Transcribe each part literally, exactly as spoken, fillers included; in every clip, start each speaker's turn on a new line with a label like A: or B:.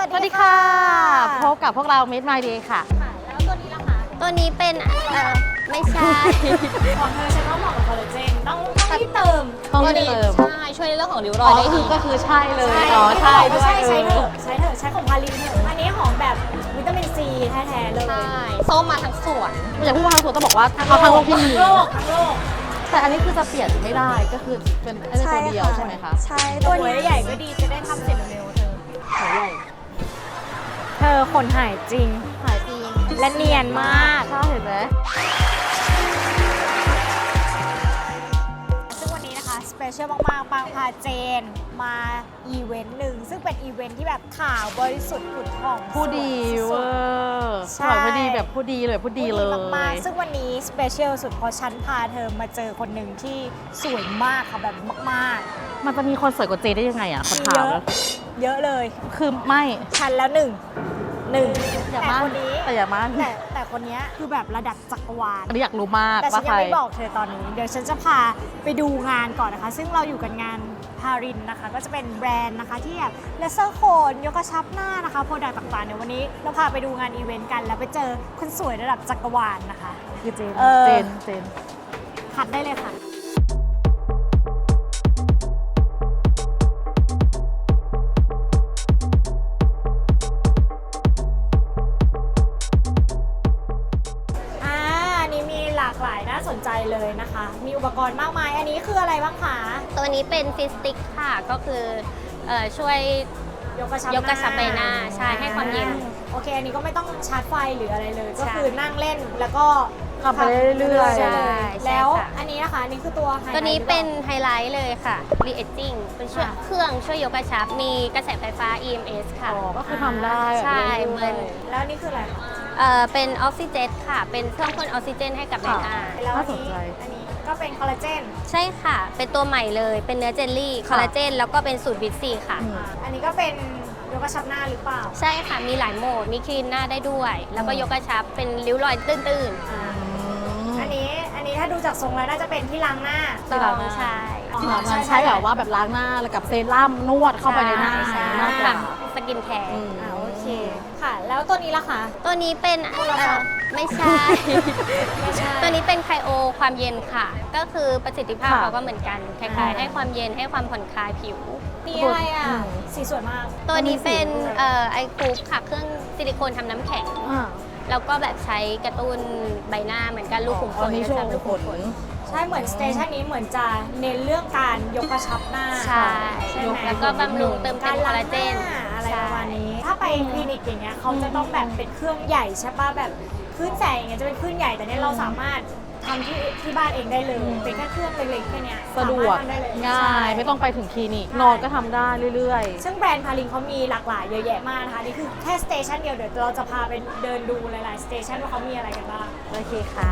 A: สวัสดีค่ะพบกับพวกเรา Meet My Day ค่ะ
B: แล้วตัวนี้ล่ะคะ
C: ตัวนี้เป็นเอ่อไม่ใช่
B: ของเธอฉันว่าเหมาะกับคอลลาเจนต้องต้องรีบเติม
A: ต้องรีบเติม
C: ใช่ช่วยในเรื่องของริ้วรอยได้ดี
A: ก็คือใช่เลยอ๋อใช่ด้วย
B: ใช่ใช้เถอะใช้เถอะใช้ของพาลินเถอะอันนี้หอมแบบวิตามินซีแท้ๆเลย
C: ใช่ส้มมาทั้งสวน
A: อยากพูดว่าทั้งตัวต้องบอกว่าเอาทั้งโลกที่มี
B: ทั้งโลกทั้งโลก
A: แต่อันนี้คือจะเปลี่ยนไม่ได้ก็คือเป็นไอ้ตัวเดียวใช่ไหมคะ
B: ใช่ตัวนี้ใหญ่ก็ดีจะได้ทำเสร็จเร็วๆเธอ
A: หัวใหญ่
B: เธอขนหายจริง
A: หายจริง
B: และเนียนมาก
A: ใช่เห็นไหม
B: ซึ่งวันนี้นะคะสเปเชียลมากๆปางพาเจนมาอีเวนต์หนึ่งซึ่งเป็นอีเวนต์ที่แบบข่าวบริสุทธิ์ผุดผ่อง
A: ผู้ดี
B: สุ
A: เว
B: ด
A: อ
B: ๆ
A: ร์
B: ใช่
A: สวยผู้ดีแบบผู้ดีเลยผู้ดีเลย
B: มากๆซึ่งวันนี้สเปเชียลสุดเพราะฉันพาเธอมาเจอคนหนึ่งที่สวยมากค่ะแบบมาก
A: มันจะมีคนสวยกว่าเจได้ยังไงอ่ะคน
B: ๆ
A: ถา
B: เย
A: ม
B: อะเยอะเลย
A: คือไม่
B: ฉันแล้วหนึ่งหนึ่ง
A: อย่า
B: แต่
A: มั่น
B: คนนี้
A: แต่อย่ามั่น
B: แต่แต่คนนี้คือแบบระดับจักรวาล
A: อันนี้อยากรู้มาก
B: แต่ฉั
A: ว่าน ใค
B: ยัง
A: ร
B: ไม่บอกเธอตอนนี้ เดี๋ยวฉันจะพาไปดูงานก่อนนะคะ ซึ่งเราอยู่กันงานพารินนะคะ ก็จะเป็นแบรนด์นะคะที่แบบเลเซอร์โคนยกกระชับหน้านะคะโปรดักต์ต่างๆเดี๋ยววันนี้เราพาไปดูงานอีเวนต์กัน แล้วไปเจอคนสวยระดับจักรวาลนะคะ
A: คือเจน
B: เออ
A: เจนเจน
B: คัดได้เลยค่ะ อ่าอันนี้มีหลากหลายน่าสนใจเลยนะคะ มีอุปกรณ์มากมาย อันนี้คืออะไรบ้างคะ
C: ตัวนี้เป็นฟิสติกค่ะก็คือเอ่อช่วย
B: ยกกระชับ
C: ยกกระชับใบหน้าใช่ให้ความเย็น
B: โอเค อันนี้ก็ไม่ต้องชาร์จไฟหรืออะไรเลย ก็
C: ใช่
B: คือนั่งเล่นแล้วก็
A: ขับไปเรื่อยๆ
B: ใช่
C: ใช่
B: แล้ว
C: ค่ะ
B: อันนี้นะคะอันนี้คือตัวไฮไลท์
C: ตัวนี้เป็น
B: หรือ
C: ไฮไลท์เลยค่ะ re-aging เป็นช่วย
B: อ่ะ
C: เครื่องช่วยยกกระชับ มีกระแสไฟฟ้า อี เอ็ม เอส ค่ะ
A: อ๋อก็คือทำได้
C: ใช่
A: แบบ
C: เหมือน
A: รื่ยๆ
B: เปล่าแล้วอันนี่คืออะไรคะ
C: เอ่อเป็นออกซิเจนค่ะ เป็นเครื่องพ่นออกซิเจนให้กับใบหน้า
B: แล้วอัน
A: น่าสน
B: นี้
A: ใจ
B: อันนี้ก็เป็นคอลลาเจน
C: ใช่ค่ะ เป็นตัวใหม่เลย เป็นเนื้อเจลลี่คอลลาเจนแล้วก็เป็นสูตรวิตซีค่ะ
A: อืม
B: อ่าอันนี้ก็เป็นยกกระชับหน้าหรือเปล่า
C: ใช่ค่ะ มีหลายโหมด มีคลีนหน้าได้ด้วย แล้วก็ยกกระชับ เป็นริ้วรอยตื้น
B: อ่า
A: อืม
B: อันนี้อันนี้ถ้าดูจากทรงแล้วน่าจะเป็นที่ล้างหน้า
C: ๆ
A: ที่
C: ต้
A: ล้า
C: อง
A: หน้า
C: ใช่
B: อ๋อ
A: ที่แบบมันใช้แบบว่าแบบล้างหน้าแล้วกับเซรั่มนวดเข้าไปในหน้า
B: ใช่
A: มากกว่า
C: สกินแคร์
A: อืม
B: อ่าโอเคค่ะ แล้วตัวนี้ล่ะคะ
C: ตัวนี้เป็น
B: โทรศัพท์
C: เอ่อไม่ใช่
B: ไม่ใช่
C: ตัวนี้เป็นไคโอความเย็นค่ะ ก็คือประสิทธิภาพ
A: ค่ะ
C: เขาก็เหมือนกัน คล้าย
B: อ่า
C: ๆ ให้ความเย็นให้ความผ่อนคลายผิว
B: นี่อะไรอ่ะ
A: อืม
B: สีสวยมาก
C: ตัวนี้เป็น
A: มันมีสีด้วย
C: เอ่อไอคูปค่ะ เครื่องซิลิโคนทำน้ำแข็ง
A: อ่า
C: แล้วก็แบบใช้กระตุ้นใบหน้าเหมือนกันลูกขุมข
A: อั
C: น
A: นนี้
C: ก
A: ช่
C: ระ
A: วย
C: ชับลูก
A: ผ
C: ขุม
A: ล
C: ขน
B: ใช่เหมือนสเตชันนี้เหมือนจะเน้นเรื่องการยกกระชับหน้า
C: ใช่
B: ใช่ไหม
C: แล้วก็บำรุงเติมเต็
B: การ
C: มคอ
B: ล้า
C: ลลาง
B: ห
C: เจน
B: น้าอะไรประมาณนี้ ถ้าไปคลินิกอย่างเงี้ยเขาจะต้องแบบเป็นเครื่องใหญ่ใช่ป่ะแบบคลื่นแสงอย่างเงี้ยจะเป็นคลื่นใหญ่แต่เนี้ยเราสามารถทำที่ที่บ้านเองได้เลย
A: อืม
B: เป็นแค่เครื่องเล็กๆแค่เนี้ย
A: สะดวก
B: สามารถทำได้เลย
A: ง่าย
B: ใช่
A: ไม่ต้องไปถึงคลินิกนอนก็ทำได้เรื่อย
B: ซึ่งแบรนด์พาลินเขามีหลากหลายเยอะแยะมากนะคะนี่คือแค่สเตชันเดียวเดี๋ยวเราจะพาไปเดินดูหลายๆสเตชันว่าเขามีอะไรกันบ้าง
A: ๆ โอเคค่ะ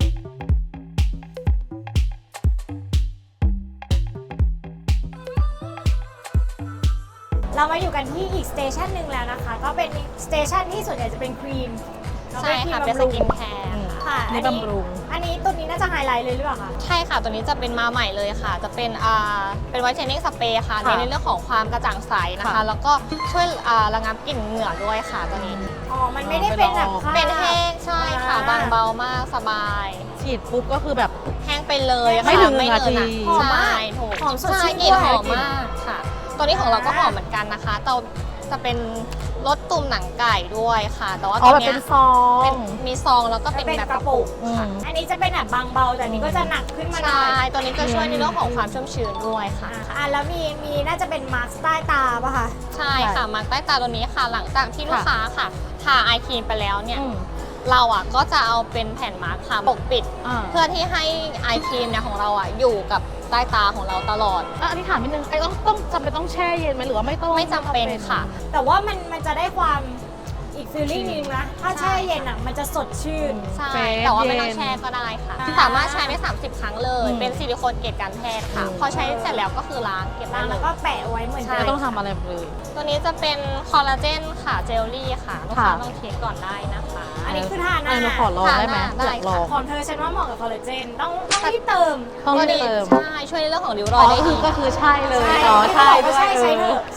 B: เรามาอยู่กันที่อีกสเตชันหนึ่งแล้วนะคะ ก็เป็นสเตชันที่ส่วนใหญ่จะเป็นครีม
C: ใช่ค่ะ เป็นสกินแคร์
B: ค่ะ
A: นี่
B: อันนี้
A: บำรุง
B: อันนี้ตัวนี้น่าจะไฮไลท์เลยหรือเปล่าคะ
D: ใช่ค่ะ ตัวนี้จะเป็นมาใหม่เลยค่ะ จะเป็นอ่าเป็นไวท์เทนนิ่งสเปรย์ค่ะ
A: ค่ะ
D: ในเรื่องของความกระจ่างใสนะคะ
A: ค่ะ
D: แล้วก็ช่วยอ่าระงับกลิ่นเหงื่อด้วยค่ะตัวนี้
B: อ๋อ มันไม่ได้เป็นแบบผ้า
D: เป็นแห้งใช่ค่ะ
B: อ่า
D: บางเบามากสบาย
A: ฉีดปุ๊บก็คือแบบ
D: แห้งไปเลย
A: ไม่
D: ค่ะ
A: ถึง
D: ไม่
A: นาที
D: เนิน
B: หอม
D: อะ
B: มาก
D: ใช่ถูก
B: หอมสดชื่น
D: ใช่กลิ่น
B: ด้วย
D: หอมมากค่ะ ตัวนี้ของเราก็หอมเหมือนกันนะคะแต่จะเป็นรสตุ่มหนังไก่ด้วยค่ะ แต่ว่า
A: อ๋
D: ตั
A: อ
D: ว
A: แบบ
D: เนี้
A: เป็
D: ย
A: นซอง
D: เป็นมีซองแล้วก็เป็น
B: เป็น
D: แบบ
B: ก
D: ก
B: ระ
D: ระ
B: ปุ
D: ปุ
B: ก
D: ก
A: อืม
D: ค่ะ
B: อันนี้จะเป็นแบบบางเบาแต่อันนี้ก็จะหนักขึ้นมาหน่
D: ใช่
B: อย
D: ตัวนี้จะช่วยในเรื่องของความชุ่มชื้นด้วยค่ะ
B: อ่ะอ่ะแล้วมีมีน่าจะเป็นมาร์คใต้ตาป่ะคะ
D: ใช่ค่ะมาร์กใต้ตาตัวนี้ค่ะ หลังจากที่ลูกค้าค่ะทาไอครีมไปแล้วเนี่ย
A: อืม
D: เราอ่ะก็จะเอาเป็นแผ่นมาร์กค่ะปกปิด
A: อ่า
D: เพื่อที่ให้ไอครีมเนี่ยของเราอ่ะอยู่กับใต้ตาของเราตลอด
A: อ่ะอันนี้ถามนิดนึงไอ้ต้องต้องจำเป็นต้องแช่เย็นไหมหรือว่าไม่ต้อง
D: ไม่จำเป็นค่ะ
B: แต่ว่ามันมันจะได้ความอีกฟีลลิ่งนึงนะ ถ้าแช่เย็นอ่ะมันจะสดชื่น
D: ใช่
A: เฟซ
D: แต่ว่าไม่ต้อง
A: เย็น
D: แช่ก็ได้ค่ะ
B: อ่า
D: สามารถใช้ได้สามสิบครั้งเลย
A: อืม
D: เป็นซิลิโคนเกรดการแพทย์ค่ะ
A: อืม
D: พอใช้เสร็จแล้วก็คือล้างเก็บได้
B: ล้าง
D: เล
B: แล้ว
D: ย
B: ก็แปะไว้เหมือน
D: ใช่
B: เดิ
A: ไม่
B: ม
A: ต้องทำอะไรเลย
D: ตัวนี้จะเป็นคอลลาเจนค่ะเจลลี่ค่ะลูกค้า
A: ค่ะ
D: ลองเทสก่อนได้นะคะ
B: อันนี้คือทาหน้า
A: เออหนูขอลองได้ไหม
D: ทาหน้า
A: อยากลอง
B: ของเธอฉันว่าเหมาะกับคอลลาเจนต้องต้องรีบเติม
A: ต้อง
D: ตัว
A: รีบ
D: นี้
A: เติม
D: ใช่ช่วยในเรื่องของริ้วร
A: อ๋
D: อ
A: อย
D: ได้
A: คื
D: ดี
A: อก็คือใช่เลยอ๋อใช่ด้วย
B: ใช่ใช้
A: เอ
B: เถ
A: อ
B: อะใช้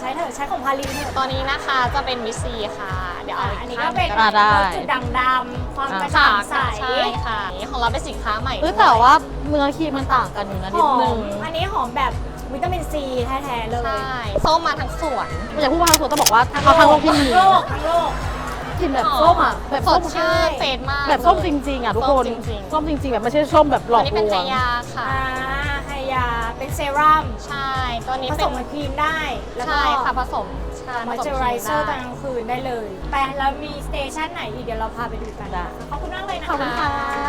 B: ช้เถอะใช้ของพาลินเถอะ
D: ตอนนี้นะคะจะเป็นวิซีค่ะ เดี๋ยวเอา
B: อันนี้ก็เป็น
A: อ่าได้
B: รถจุดด่างดำความกระ
D: ค่ะ
B: จ่างใส
D: ใช่ค่ะนี่ของเราเป็นสินค้าใหม่
A: เออ
D: ด้วย
A: แต่ว่าเนื้อครีมมันต่างกันอยู่นะ
B: ห
A: นิด
B: อ
A: นึ
B: ม
A: ง
B: อันนี้หอมแบบวิตามินซีแท้ๆเลย
D: ใช่ส้มมาทั้งสวน
A: อยากพูดว่าทางสวนต้องบอกว่าเอาทางโลกที่มี
B: ทั้งโลกทั้งโลก
A: กลินแบบส้มอ่ะแบบ
D: ส
A: ส้
D: ด
A: ม
D: ชื่นเฟรชมาก
A: แบบส้มจริง ๆอ่ะทุกคน
D: ส้มจริงๆ
A: ส้มจริง ๆ แบบไม่ใช่ส้มแบบหล
D: ตั
A: อ
D: ว
A: ก
D: นี้
A: ล
D: เป็น
A: ว
D: ไฮ
A: ง
D: ยาค่ะ
B: อ่าไฮยาเป็นเซรั่ม
D: ใช่ ตัวนี้
B: ผ
D: เป็
B: ส
D: น
B: มกับครีมได้ แล้วก็
D: ใช่ค่ะผสมใช่
B: มอย
D: ผ
B: เจ
D: ส
B: อ
D: ม
B: ไร
D: ค
B: เซอร์ต
D: ได้
B: อนกลางคืนได้เลยไปแล้วมีสเตชันไหนอีกเดี๋ยวเราพาไปดูกัน
A: ได้
B: ขอบคุณมากเลยนะคะ
A: ขอบคุณค่ะ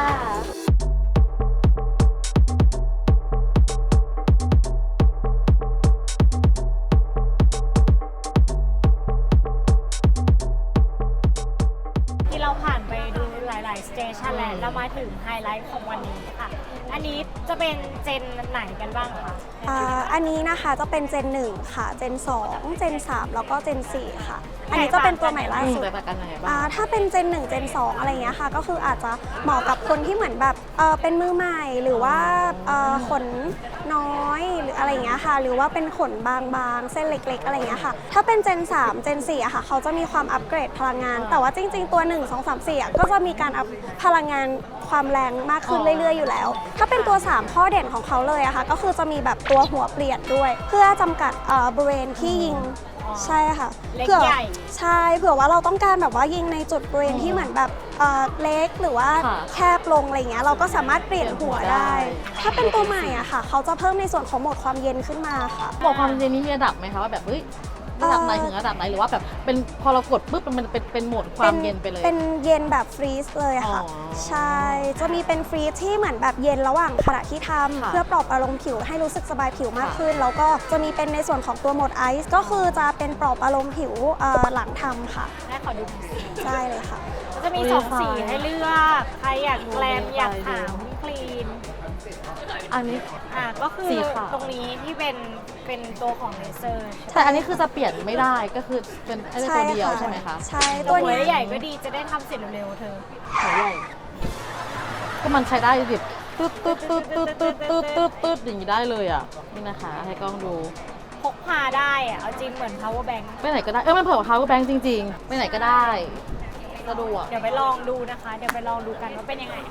B: ที่เราผ่านไปดูหลายๆสเตชันแล้วเรามาถึงไฮไลท์ของวันนี้ค่ะ อันนี้จะเป็นเจนไหนกันบ้างคะ
E: อ่าอันนี้นะคะจะเป็นเจนหนึ่งค่ะ เจนสองเจนสามแล้วก็เจนสี่ค่ะ อันนี้จะเป็นตัวใหม่ล่า
A: อืม
E: สุด
A: แต่ต่างกันยังไงบ้า
E: อ่าง ถ้าเป็นเจนหนึ่งเจนสองอะไรเงี้ยค่ะ ก็คืออาจจะเหมาะกับคนที่เหมือนแบบเออเป็นมือใหม่หรือว่าเอ่อขนน้อยหรืออะไรเงี้ยค่ะ หรือว่าเป็นขนบางๆ เส้นเล็กๆ อะไรเงี้ยค่ะ ถ้าเป็นเจนสามเจนสี่อะค่ะ เขาจะมีความอัปเกรดพลังงาน แต่ว่าจริง ๆ ตัวหนึ่ง สอง สาม สี่อะก็จะมีการอัพพลังงานความแรงมากขึ้นเรื่อยๆอยู่แล้ว ถ้าเป็นตัวสามข้อเด่นของเขาเลยอะค่ะ ก็คือจะมีแบบตัวหัวเปลี่ยนด้วย เพื่อจำกัดเอ่อบริเวณที่ยิงใช่ค่ะ
B: เล็ก
E: ผื่อ
B: ใหญ่
E: ใช่เผื่อว่าเราต้องการแบบว่ายิงในจุดบริเวณที่เหมือนแบบเอ่อเล็กหรือว่า
A: ค่ะ
E: แคบลงอะไรเงี้ยเราก็สามารถเปลี่ยนหัวได้ ถ้าเป็นตัวใหม่อะค่ะ เขาจะเพิ่มในส่วนของโหมดความเย็นขึ้นมาค่ะ
A: บอกความเย็นนี้มีระดับไหมคะว่าแบบเฮ้ยระดับไหนถึงระดับไหนหรือว่าแบบเป็นพอเรากดปุ๊บมันเป็นเป็นโหมดความเย็นไปเลย
E: เป็นเย็นแบบฟรีซเลยค่ะ
A: อ๋อ
E: ใช่ จะมีเป็นฟรีซที่เหมือนแบบเย็นระหว่างขณะที่ทำ
A: ค่ะ
E: เพื่อปลอบประโลมผิวให้รู้สึกสบายผิวมาก
A: ค่ะ
E: ขึ้น แล้วก็จะมีเป็นในส่วนของตัวโหมดไอซ์ก็คือจะเป็นปลอบประโลมผิวเอ่อหลังทำค่ะ
B: ได้ขอดูหน่อยสิ
E: ใช่เลยค่ะ
B: ก็จะมีสองสีให้เลือกใครอยากแกลมอยากขาวคลีน
A: อันนี้
B: อ่ะก็คือ
A: สีขาว
B: ตรงนี้ที่เป็นเป็นตัวของเลเซอร์
A: แต่อันนี้คือจะเปลี่ยนไม่ได้ก็คือเป็นไอ้ตัวเดียวใช่ไหมคะ
E: ใช่
B: ตั
E: ตัว ว
B: หัว
E: เนี้ย
B: ใหญ่ก็ดีจะได้ทำเสร็จเร็วๆเธอ
A: หัวใหญ่ก็มันใช้ได้ดิตึ๊ดตึ๊ดตึ๊ดตึ๊ดตึ๊ดตึ๊ดตึ๊ดตึ๊ดอย่างนี้ได้เลยอ่ะนี่นะคะให้กล้องดู
B: พกพาได้อะเอาจริงเหมือน power bank
A: ไปไหนก็ได้เออมันเผื่อกับ power bank จริงๆไปไหนก็ได้สะดวก
B: เดี๋ยวไปลองดูนะคะ เดี๋ยวไปลองดูกันว่าเป็นยังไง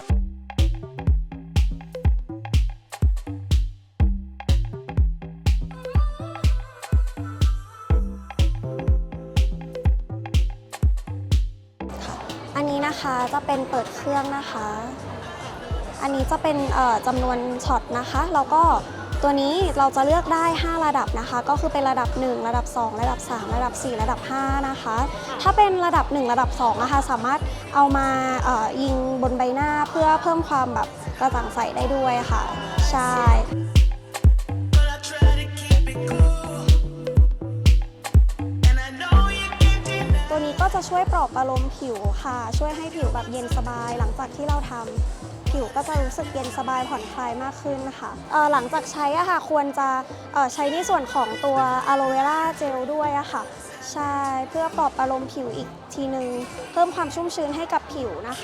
E: อันนี้นะคะจะเป็นเปิดเครื่องนะคะ อันนี้จะเป็นเอ่อจำนวนช็อตนะคะ แล้วก็ตัวนี้เราจะเลือกได้ ห้า ระดับนะคะ ก็คือเป็นระดับ หนึ่ง ระดับ สอง ระดับ สาม ระดับ สี่ ระดับ ห้า นะคะ ถ้าเป็นระดับ หนึ่ง ระดับ สอง นะคะ สามารถเอามาเอ่อยิงบนใบหน้าเพื่อเพิ่มความแบบกระจ่างใสได้ด้วยค่ะ ใช่
F: But I try to keep it cool. And I know you can't deny.
E: ตัวนี้ก็จะช่วยปลอบประโลมผิวค่ะ ช่วยให้ผิวแบบเย็นสบายหลังจากที่เราทำผิวก็จะรู้สึกเย็นสบายผ่อนคลายมากขึ้นนะคะเอ่อหลังจากใช้อะค่ะควรจะเอ่อใช้ในส่วนของตัวอะโลเวราเจลด้วยอะค่ะใช่เพื่อปลอบประโลมผิวอีกทีนึงเพิ่มความชุ่มชื้นให้กับผิวนะคะ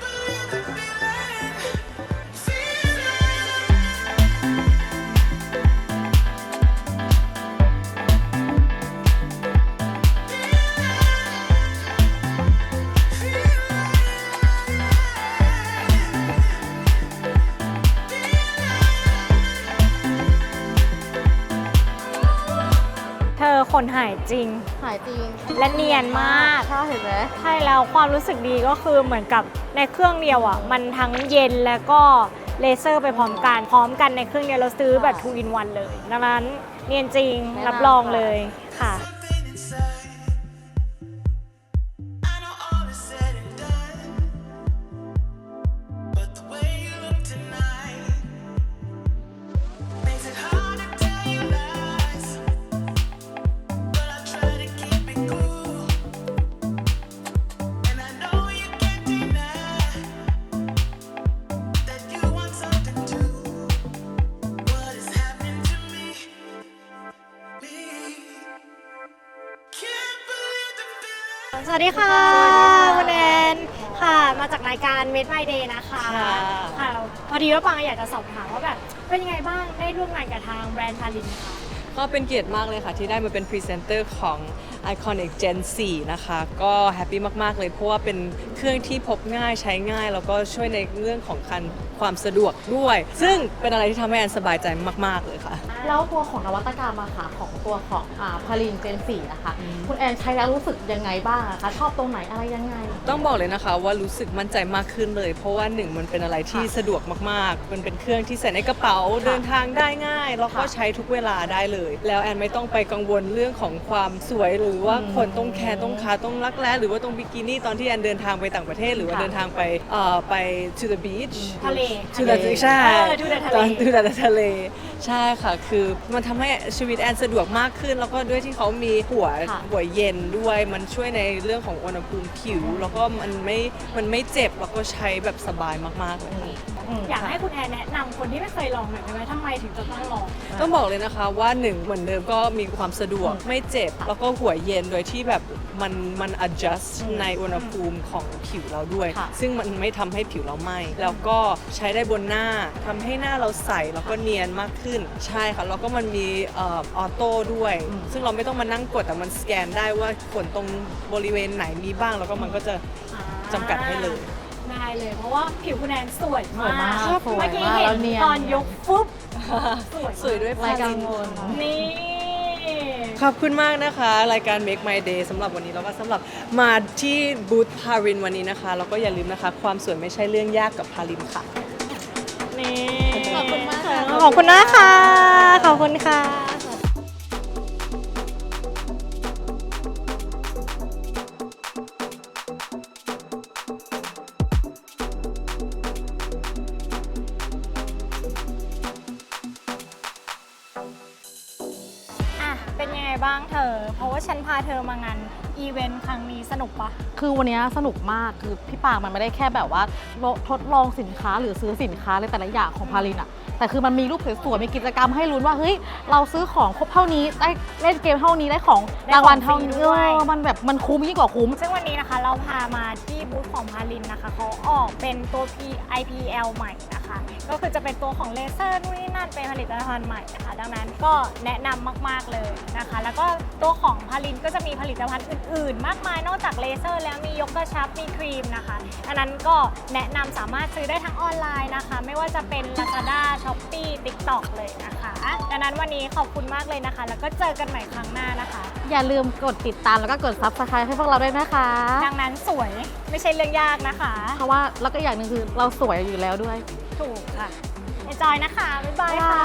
B: เธอขนหายจริง
A: หายจริง
B: และเนียนมาก
A: ใช่เห็นไหม
B: ใช่แล้วความรู้สึกดีก็คือเหมือนกับในเครื่องเดียวอ่ะ มันทั้งเย็นแล้วก็เลเซอร์ไปพร้อมกันพร้อมกันในเครื่องเดียวเราซื้อแบบ two in one เลย ดังนั้นเนียนจริงรับรองเลยค่ะ
F: Something inside. I know all is said and done. But the way you look tonight makes it hard to tell you lies. But I try to keep it cool. And I know you can't deny that you want something too. What is happening to me? Me. Can't believe the feeling.
B: สวัสดีค่ะคุณแอนค่ะ มาจากรายการ Made My Day นะคะ
A: ค่ะ
B: ค่ะพอดีว่าปังอยากจะสอบถามว่าแบบเป็นยังไงบ้างได้ร่วมงานกับทางแบรนด์พาลินค่ะ
G: ก็เป็นเกียรติมากเลยค่ะที่ได้มาเป็นพรีเซนเตอร์ของ Iconic Gen โฟร์ นะคะก็แฮปปี้มากๆเลยเพราะว่าเป็นเครื่องที่พบง่ายใช้ง่าย แล้วก็ช่วยในเรื่องของการความสะดวกด้วย ซึ่งเป็นอะไรที่ทำให้แอนสบายใจมากๆเลยค่ะ
A: แล้วตัวของนวัตกรรมอะค่ะของตัวของอ่าพาลินเจนสี่นะคะคุณแอนใช้แล้วรู้สึกยังไงบ้างอะคะชอบตรงไหนอะไรยังไง
G: ต้องบอกเลยนะคะว่ารู้สึกมั่นใจมากขึ้นเลย เพราะว่าหนึ่งมันเป็นอะไรที่สะดวกมากๆ มันเป็นเครื่องที่ใส่ในกระเป๋าเดินทางได้ง่าย แล้วก็ใช้ทุกเวลาได้เลย แล้วแอนไม่ต้องไปกังวลเรื่องของความสวยหรือว่าคนต้องแคร์ต้องคาต้องรักแร้หรือว่าต้องบิกินี่ตอนที่แอนเดินทางไปต่างประเทศ หรือว่า
A: ค่ะ
G: เดินทางไปเอ่อไป to the beach
B: ทะเล
G: to the ใช่
B: เออ to the ทะเล
G: ตอน to the ทะเลใช่ค่ะ คือมันทำให้ชีวิตแอนสะดวกมากขึ้น แล้วก็ด้วยที่เขามีหัว
A: ค่ะ
G: หัวเย็นด้วยมันช่วยในเรื่องของอุณหภูมิผิว แล้วก็มันไม่มันไม่เจ็บแล้วก็ใช้แบบสบายมากๆเลยค่ะ
B: อยากให้คุณแอนแนะนำคนที่ไม่เคยลองหน่อยได้ไหมทำไมถึงจะต้องลอง
G: ต้องบอกเลยนะคะว่าหนึ่งเหมือนเดิมก็มีความสะดวกไม่เจ็บ แล้วก็หัวเย็นโดยที่แบบมันมัน adjust ในอุณหภูมิของผิวเราด้วย
A: ค่ะ
G: ซึ่งมันไม่ทำให้ผิวเราไหม้แล้วก็ใช้ได้บนหน้าทำให้หน้าเราใสแล้วก็เนียนมากขึ้น ใช่ค่ะแล้วก็มันมีเออโต้ด้วย ซึ่งเราไม่ต้องมานั่งกดแต่มันสแกนได้ว่าขนตรงบริเวณไหนมีบ้าง แล้วก็มันก็จะจำกัดให้เลย
B: ได้เลย เพราะว่าผิวคุณแอนสวย
A: สวยมาก
B: เ
A: สวย
B: มื่อกี้
A: มาก
B: เห็
A: แล้
B: น
A: วเนียน
B: ตอนยกฟุ๊บสวย
G: สวยด้วย
A: รายกังวล
B: นี่
G: ขอบคุณมากนะคะ รายการ Make My Day สำหรับวันนี้แล้วก็สำหรับมาที่บูธพารินวันนี้นะคะแล้วก็อย่าลืมนะคะ ความสวยไม่ใช่เรื่องยากกับพารินค่ะ
B: นี่
A: ขอบคุณมากค่ะ
B: ขอบคุณนะคะ ขอบคุณค่ะ อ่ะ เป็นยังไงบ้างเธอ เพราะว่าฉันพาเธอมางานอีเวนต์ครั้งนี้สนุกปะ
A: คือวันนี้สนุกมากคือพี่ปางมันไม่ได้แค่แบบว่าทดลองสินค้าหรือซื้อสินค้าในแต่ละอย่างของพาลินอะแต่คือมันมีรูปสวยๆมีกิจกรรมให้ลุ้นว่าเฮ้ยเราซื้อของครบเท่านี้ได้เล่นเกมเท่านี้ได้ของ
B: ได้
A: รางวัล
B: ของ
A: เท่า
B: ฟรี
A: นี้
B: ด้วย
A: เออมันแบบมันคุ้มยิ่งกว่าคุ้ม
B: ซึ่งวันนี้นะคะเราพามาที่บูธของพาลินนะคะเขาออกเป็นตัว ไอ พี แอล ใหม่นะคะ ก็คือจะเป็นตัวของเลเซอร์นู่นนี่นั่นเป็นผลิตภัณฑ์ใหม่นะคะ ดังนั้นก็แนะนำมากๆเลยนะคะ แล้วก็ตัวของพาลินก็จะมีผลิตภัณฑ์อื่นๆ มากมายนอกจากเลเซอร์แล้วมียกกระชับมีครีมนะคะดังนั้นก็แนะนำสามารถซื้อได้ทั้งออนไลน์นะคะ ไม่ว่าจะเป็น Lazada Shopee TikTok เลยนะคะดังนั้นวันนี้ขอบคุณมากเลยนะคะ แล้วก็เจอกันใหม่ครั้งหน้านะคะ
A: อย่าลืมกดติดตามแล้วก็กด ซับสไครบ์ ให้พวกเราด้วยนะคะ
B: ดังนั้นสวยไม่ใช่เรื่องยากนะคะ
A: เพราะว่าแล้วก็อย่างหนึ่งคือเราสวยอยู่แล้วด้วย
B: ถูกค่ะเอนจอยนะคะ บ๊ายบายค่ะ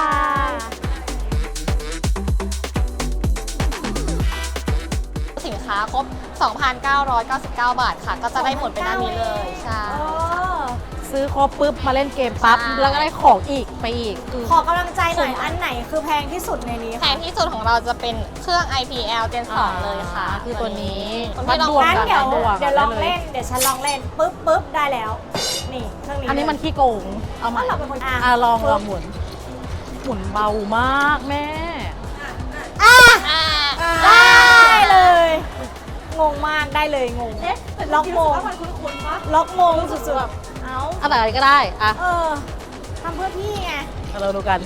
D: สินค้าครบ สองพันเก้าร้อยเก้าสิบเก้า บาทค่ะ ก็จะได้หมดเป็นด้านนี้เลย ใช่
A: ซื้อครบปุ๊บมาเล่นเกมปั๊บ
D: ใช่
A: แล้วก็ได้ของอีกไปอีกคือ
B: ขอกำลังใจหน่อย อันไหนคือแพงที่สุดในนี้
D: แพงที่สุดของเราจะเป็นเครื่อง ไอ พี แอล Gen สอง เลยค่ะ
A: คือตัวนี้
D: คนที่ลอง
A: บวก
B: งั้น
A: กับ
B: เดี๋ยว
A: บวก
B: เดี๋ยวลอง
A: ได้
B: เล่น เดี๋ยวฉันลองเล่นปุ๊บปุ๊บได้แล้ว นี่เครื่องนี้
A: อันนี้มันขี้โกง เอามา
B: เราเป็นคนอ่ะ
A: อ่ะลองลองหมุน หมุนเบามากแม่
D: อ่า
B: ได้เลย งงมากได้เลยงงล็อกโมงล็อกโมงสุดๆ เอ้า
A: อะไรก็ได้ อ่ะ
B: เออทำเพื่อพี่ไง
A: เราดูกัน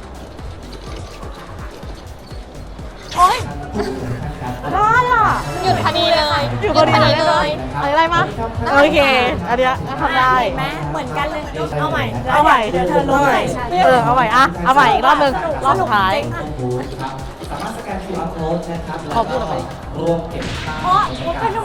B: โอ๊ยได้อ่ะ
D: หยุดพอดีเลย
A: อยู่พอดีเลยอะไรมาโอเค อันเนี้ยก็ทำได้
B: เห็นไหมเหมือนกันเลย เอาใหม่
A: เอาใหม่
B: เดี๋ยวเธอลงใหม่ฉัน
A: เออ เอาใหม่อ่ะ เอาใหม่อีกรอบหนึ่งรอบสุดท้าย
H: บูธครับสามารถสแกน คิว อาร์ code นะครับ
A: ขอบคุณ
H: แล้ว
A: อะไร
H: ก็รวมเก็บค่า
B: เพราะว่าเป็น